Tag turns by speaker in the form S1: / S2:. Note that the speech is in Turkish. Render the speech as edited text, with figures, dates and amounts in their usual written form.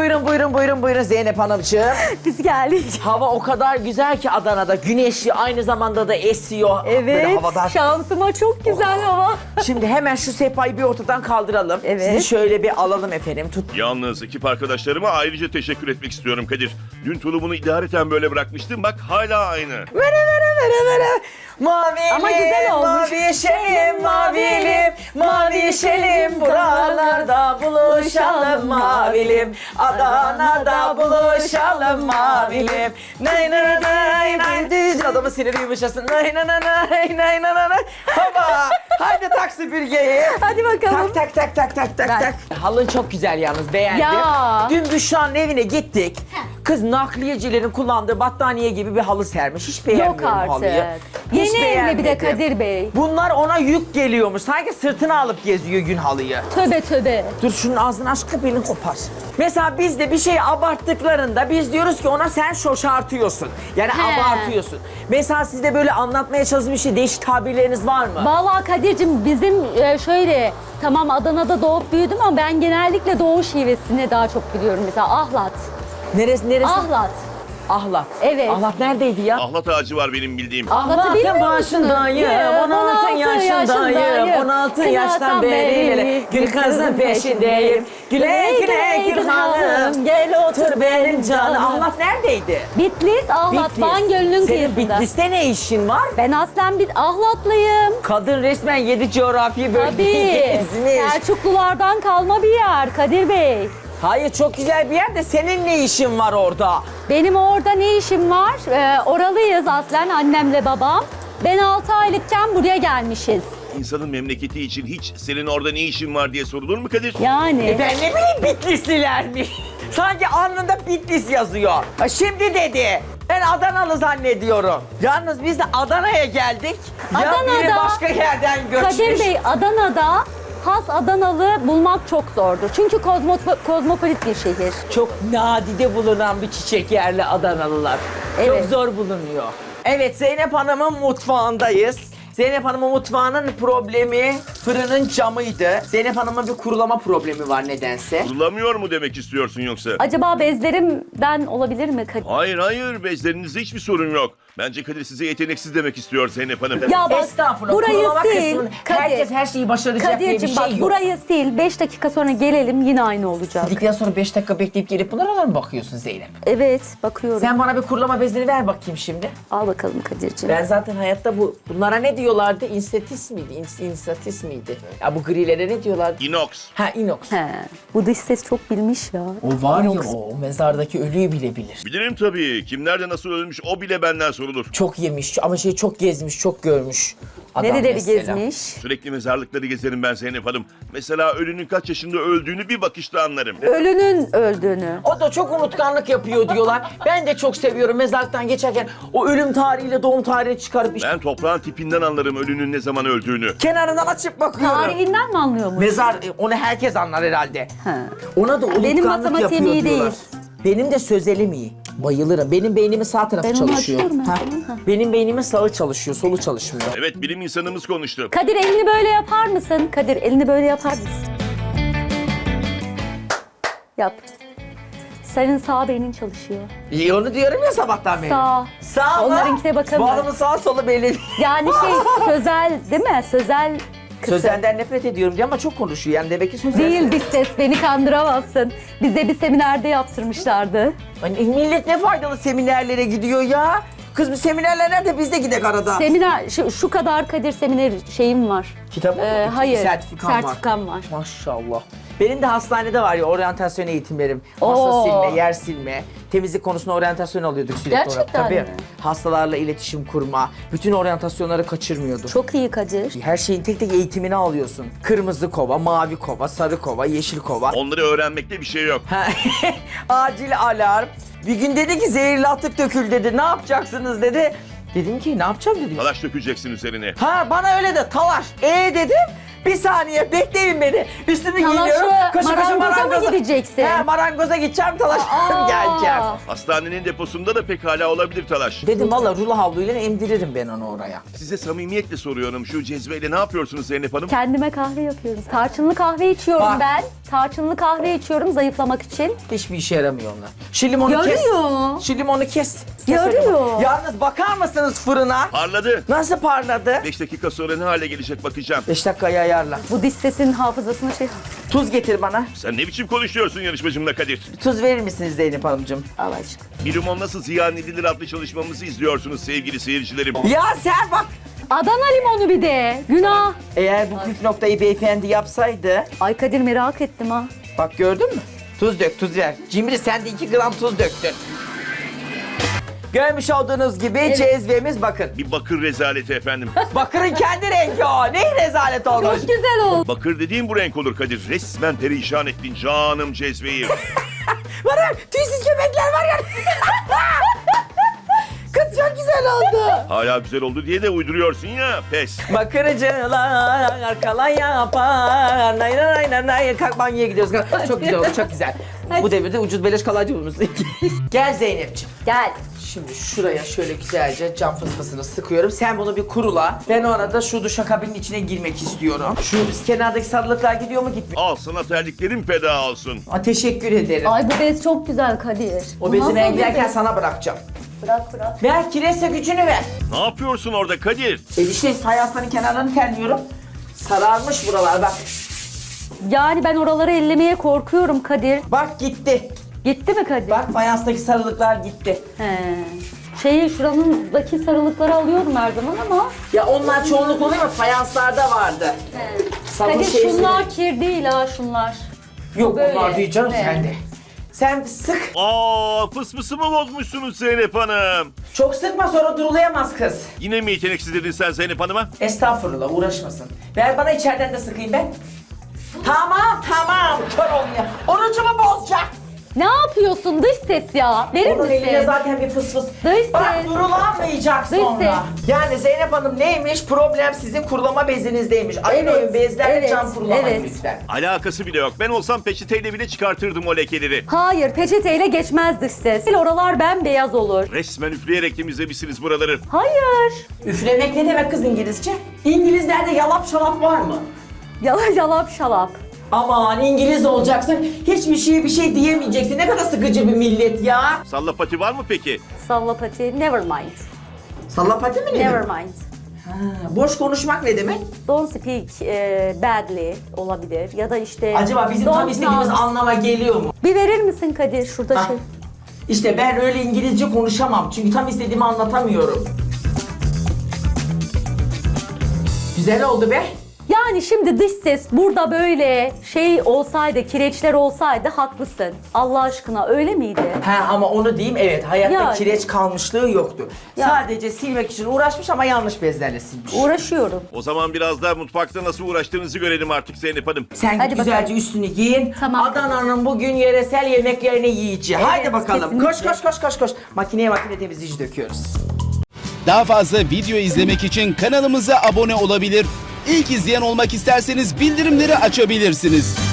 S1: buyurun Zeynep Hanımcığım.
S2: Biz geldik.
S1: Hava o kadar güzel ki Adana'da. Güneşli, aynı zamanda da esiyor. Böyle
S2: Evet.
S1: havadan.
S2: Şansıma çok güzel hava.
S1: Şimdi hemen şu sehpayı bir ortadan kaldıralım.
S2: Evet.
S1: Sizi şöyle bir alalım efendim. Tut.
S3: Yalnız ekip arkadaşlarıma ayrıca teşekkür etmek istiyorum Kadir. Dün tulumunu idareten böyle bırakmıştım, bak hala aynı.
S1: Vere. Mavilim,
S2: Ama güzel olmuş.
S1: mavi yeşelim, mavilim, mavi yeşelim. Buralarda buluşalım mavilim. Adana'da buluşalım mavilim. Nay nay nay nay. Düz adamın siniri yumuşasın. Nay nay nay nay nay nay. Hava. Haydi tak süpürgeyi.
S2: Hadi bakalım.
S1: Tak. Halın çok güzel yalnız, beğendim.
S2: Ya.
S1: Dün Büşra'nın evine gittik. Kız nakliyecilerin kullandığı battaniye gibi bir halı sermiş. Hiç beğenmiyorum
S2: Yok artık.
S1: halıyı. Hiç
S2: Yeni evli bir de
S1: beğenmedim.
S2: Kadir Bey.
S1: Bunlar ona yük geliyormuş. Sanki sırtına alıp geziyor gün halıyı.
S2: Töbe.
S1: Dur şunun ağzını aç, belini kopar. Mesela biz de bir şey abarttıklarında biz diyoruz ki ona sen şoşartıyorsun. Yani
S2: He.
S1: abartıyorsun. Mesela sizde böyle anlatmaya çalıştığınız bir şey, değişik tabirleriniz var mı?
S2: Vallahi Kadir'cim bizim şöyle tamam Adana'da doğup büyüdüm ama ben genellikle doğu şivesini daha çok biliyorum. Mesela ahlat.
S1: Neresi?
S2: Ahlat.
S1: Ahlat.
S2: Evet.
S1: Ahlat neredeydi ya?
S3: Ahlat ağacı var benim bildiğim.
S2: Ahlat'ı bilmiyor musunuz?
S1: başındayım, 16 yaşındayım, 16 yaştan beri gül kızın peşindeyim. Güle gül hanım, gel otur benim canım. Ahlat neredeydi?
S2: Bitlis, Ahlat, Van Gölü'nün
S1: Senin
S2: kıyısında.
S1: Bitlis'te ne işin var?
S2: Ben aslen bir Ahlatlıyım.
S1: Kadın resmen 7 coğrafi bölgeyi
S2: Tabii.
S1: gezmiş.
S2: Selçuklulardan kalma bir yer Kadir Bey.
S1: Hayır, çok güzel bir yer de senin ne işin var orada?
S2: Benim orada ne işim var? Oralıyız aslen annemle babam. Ben 6 aylıkken buraya gelmişiz.
S3: İnsanın memleketi için hiç senin orada ne işin var diye sorulur mu Kadir?
S2: Yani.
S1: Ben ne bileyim Bitlislilermiş. Sanki alnında Bitlis yazıyor. Şimdi dedi. Ben Adanalı zannediyorum. Yalnız biz de Adana'ya geldik. Ya biri
S2: Adana'da-
S1: başka yerden göçmüş.
S2: Kadir Bey, Adana'da has Adanalı bulmak çok zordur. Çünkü kozmopolit bir şehir.
S1: Çok nadide bulunan bir çiçek yerli Adanalılar. Çok
S2: Evet.
S1: zor bulunuyor. Evet, Zeynep Hanım'ın mutfağındayız. Zeynep Hanım'ın mutfağının problemi fırının camıydı. Zeynep Hanım'ın bir kurulama problemi var nedense.
S3: Kurulamıyor mu demek istiyorsun yoksa?
S2: Acaba bezlerimden olabilir mi Kadir?
S3: Hayır, bezlerinizde hiçbir sorun yok. Bence Kadir size yeteneksiz demek istiyor Zeynep Hanım.
S2: Ya bak,
S1: Estağfurullah.
S2: burayı
S1: kurulama
S2: sil.
S1: kısmını herkes her şeyi başaracak diye bir
S2: Kadir'cim
S1: şey
S2: bak
S1: yok.
S2: burayı sil. 5 dakika sonra gelelim yine aynı olacak.
S1: Gittikten sonra 5 dakika bekleyip gelip bunlara mı bakıyorsun Zeynep?
S2: Evet bakıyorum.
S1: Sen bana bir kurulama bezleri ver bakayım şimdi.
S2: Al bakalım Kadir'cim.
S1: Ben zaten hayatta bunlara ne diyorlardı? İnstatis miydi? İnstatis miydi? Ya bu grilere ne diyorlardı?
S3: Inox.
S1: Ha, inox.
S2: He, bu dış ses çok bilmiş ya.
S1: O var
S2: Inox.
S1: ya, o mezardaki ölüyü bile bilir.
S3: Bilirim tabii. Kim nerede nasıl ölmüş o bile benden sorulur.
S1: Çok yemiş ama çok gezmiş, çok görmüş adam
S2: Nereleri
S1: mesela.
S2: gezmiş?
S3: Sürekli mezarlıkları gezerim ben Zeynep Hanım. Mesela ölünün kaç yaşında öldüğünü bir bakışta anlarım.
S2: Ölünün öldüğünü.
S1: O da çok unutkanlık yapıyor diyorlar. Ben de çok seviyorum mezarlıktan geçerken o ölüm tarihiyle doğum tarihini çıkarıp işte
S3: Ben toprağın tipinden anlarım ölünün ne zaman öldüğünü.
S1: kenarından açıp bakıyorum.
S2: Tarihinden mi anlıyormuş?
S1: Mezar, onu herkes anlar herhalde.
S2: He.
S1: Ona da unutkanlık
S2: matematiğim
S1: yapıyor
S2: iyi
S1: diyorlar.
S2: değil.
S1: Benim de sözelim iyi. Bayılırım. Benim beynimin sağ tarafı
S2: Ben onu
S1: çalışıyor.
S2: açıyorum
S1: Ha.
S2: efendim.
S1: Benim beynimin sağı çalışıyor, solu çalışmıyor.
S3: Evet, bilim insanımız konuştu.
S2: Kadir elini böyle yapar mısın? Kadir elini böyle yapar mısın? Yap. Senin sağ beynin çalışıyor.
S1: İyi, onu diyorum ya sabahtan beri.
S2: Sağ.
S1: Sağ mı?
S2: Onlarınkine bakalım.
S1: Bu adamın sağ solu belli.
S2: Yani sözel değil mi? Sözel kısım.
S1: Sözenden nefret ediyorum diye ama çok konuşuyor. Yani demek ki sözel.
S2: Değil dış ses, beni kandıramazsın. Bize bir seminerde yaptırmışlardı.
S1: Hani millet ne faydalı seminerlere gidiyor ya. Kız, bir seminerler nerede? Biz de gidek arada.
S2: Seminer, şu kadar Kadir seminer şeyim var.
S1: Kitabı mı?
S2: Hayır,
S1: Sertifikam var.
S2: var.
S1: Maşallah. Benim de hastanede var ya oryantasyon eğitimlerim. Masa
S2: Oo.
S1: silme, yer silme, temizlik konusunda oryantasyon alıyorduk sürekli olarak.
S2: Gerçekten
S1: Tabii.
S2: mi?
S1: Hastalarla iletişim kurma, bütün oryantasyonları kaçırmıyorduk.
S2: Çok iyi Kadir.
S1: Her şeyin tek tek eğitimini alıyorsun. Kırmızı kova, mavi kova, sarı kova, yeşil kova.
S3: Onları öğrenmekte bir şey yok.
S1: Ha, acil alarm. Bir gün dedi ki zehirli atık dökül dedi. Ne yapacaksınız dedi. Dedim ki ne yapacağım dedim.
S3: Talaş dökeceksin üzerine.
S1: Ha, bana öyle de talaş. Dedim. Bir saniye bekleyin beni. Üstümü
S2: Talaşı,
S1: giyiniyorum.
S2: marangoza mı gideceksin?
S1: He, marangoza gideceğim, talaşlarım geleceğim.
S3: Hastanenin deposunda da pekala olabilir talaş.
S1: Dedim valla rulo havluyla emdiririm ben onu oraya.
S3: Size samimiyetle soruyorum, şu cezveyle ne yapıyorsunuz Zeynep Hanım?
S2: Kendime kahve yapıyoruz. Tarçınlı kahve içiyorum
S1: Bak,
S2: ben. Tarçınlı kahve içiyorum zayıflamak için.
S1: Hiçbir işe yaramıyor onlar. Şu limonu kes.
S2: Yarıyor.
S1: Şu limonu kes. Kes
S2: Yarıyor.
S1: o limonu. Yalnız bakar mısınız fırına?
S3: Parladı.
S1: Nasıl parladı?
S3: 5 dakika sonra ne hale gelecek bakacağım.
S1: 5 dakikaya ayarla.
S2: Bu diş sesinin hafızasını şey...
S1: Tuz getir bana.
S3: Sen ne biçim konuşuyorsun yarışmacımla Kadir?
S1: Tuz verir misiniz Zeynep Hanımcığım?
S2: Allah aşkına.
S3: Bir limon nasıl ziyan edilir adlı çalışmamızı izliyorsunuz sevgili seyircilerim.
S1: Ya sen bak.
S2: Adana limonu bir de. Günah.
S1: Eğer bu püf noktayı beyefendi yapsaydı.
S2: Ay Kadir merak ettim ha.
S1: Bak gördün mü? Tuz dök, tuz ver. Cimri sen de 2 gram tuz döktün. Görmüş olduğunuz gibi cezvemiz bakın.
S3: Bir bakır rezaleti efendim.
S1: Bakırın kendi rengi o. Ne rezalet olmuş.
S2: Çok güzel oldu.
S3: Bakır dediğim bu renk olur Kadir. Resmen perişan ettin canım cezveyi.
S1: Bana tüysüz köpekler var ya. Kız çok güzel oldu.
S3: Hala güzel oldu diye de uyduruyorsun ya. Pes.
S1: Bakırcılar kalan yapar. Nay nay nay nay. Kalk banyoya gidiyoruz. Kalk. Çok güzel oldu, çok güzel. Bu devirde ucuz beleş kalaycı bulmuşsun. Gel Zeynep'ciğim.
S2: Gel.
S1: Şimdi şuraya şöyle güzelce cam fısfısını sıkıyorum. Sen bunu bir kurula. Ben o arada şu duşakabinin içine girmek istiyorum. Şu kenardaki sarılıklar gidiyor mu gitmiyor?
S3: Al sana terliklerin feda olsun.
S1: Aa, teşekkür ederim.
S2: Ay bu bez çok güzel Kadir.
S1: O bezi
S2: Nasıl
S1: ben
S2: bir
S1: giderken
S2: bez?
S1: sana bırakacağım.
S2: Bırak.
S1: Ver kireçle gücünü ver.
S3: Ne yapıyorsun orada Kadir?
S1: İşte fayansların kenarlarını terliyorum. Sararmış buralar bak.
S2: Yani ben oraları ellemeye korkuyorum Kadir.
S1: Bak gitti.
S2: Gitti mi Kadir?
S1: Bak fayanstaki sarılıklar gitti.
S2: He. Şuranındaki sarılıkları alıyorum her zaman ama.
S1: Ya onlar çoğunluk oluyor mu? Fayanslarda vardı. Sabun
S2: Kadir
S1: şeysi-
S2: şunlar kir değil ha şunlar.
S1: Yok
S2: böyle.
S1: onlar değil canım
S2: Evet.
S1: sende. Sen sık.
S3: Aa fısfısımı bozmuşsunuz Zeynep Hanım.
S1: Çok sıkma sonra durulayamaz kız.
S3: Yine mi yeteneksiz dedin sen Zeynep Hanım'a?
S1: Estağfurullah uğraşmasın. Ver bana içeriden de sıkayım ben. Tamam. Kör olmuyor. Orucumu bozacak.
S2: Ne yapıyorsun dış ses ya? Verir
S1: Onun eline
S2: misin?
S1: zaten bir fıs fıs.
S2: Dış
S1: Bak
S2: ses.
S1: durulamayacak
S2: Dış
S1: sonra.
S2: ses.
S1: Yani Zeynep Hanım neymiş? Problem sizin kurulama bezinizdeymiş. Ayırmayın bezlerle
S2: evet,
S1: cam kurulamayın
S2: evet.
S1: lütfen.
S3: Alakası bile yok. Ben olsam peçeteyle bile çıkartırdım o lekeleri.
S2: Hayır peçeteyle geçmez dış ses. Oralar bembeyaz olur.
S3: Resmen üfleyerek temizlemişsiniz buraları.
S2: Hayır.
S1: Üflemek ne demek kız İngilizce? İngilizlerde yalap şalap var mı?
S2: Yalap şalap.
S1: Aman İngiliz olacaksın. Hiçbir şeye bir şey diyemeyeceksin. Ne kadar sıkıcı bir millet ya.
S3: Salla pati var mı peki?
S2: Sallapati never mind.
S1: Sallapati mi ne
S2: Never
S1: demek?
S2: mind.
S1: Ha, boş konuşmak ne demek?
S2: Don't speak badly olabilir ya da işte...
S1: Acaba bizim
S2: don't
S1: tam istediğimiz
S2: pronounce.
S1: anlama geliyor mu?
S2: Bir verir misin Kadir şurada
S1: Ah,
S2: şey?
S1: İşte ben öyle İngilizce konuşamam. Çünkü tam istediğimi anlatamıyorum. Güzel oldu be.
S2: Yani şimdi dış ses burada böyle şey olsaydı, kireçler olsaydı haklısın. Allah aşkına öyle miydi?
S1: Ha ama onu diyeyim evet hayatta
S2: Yani.
S1: kireç kalmışlığı yoktu.
S2: Ya.
S1: Sadece silmek için uğraşmış ama yanlış bezlerle silmiş.
S2: Uğraşıyorum.
S3: O zaman biraz daha mutfakta nasıl uğraştığınızı görelim artık Zeynep Hanım.
S1: Sen
S2: Hadi
S1: git güzelce
S2: bakalım.
S1: üstünü giyin.
S2: Tamam.
S1: Adana'nın bugün yöresel yemeklerini yiyeceğiz. Haydi bakalım.
S2: kesinlikle.
S1: Koş. Makine temizleyici döküyoruz.
S4: Daha fazla video izlemek için kanalımıza abone olabilir. İlk izleyen olmak isterseniz bildirimleri açabilirsiniz.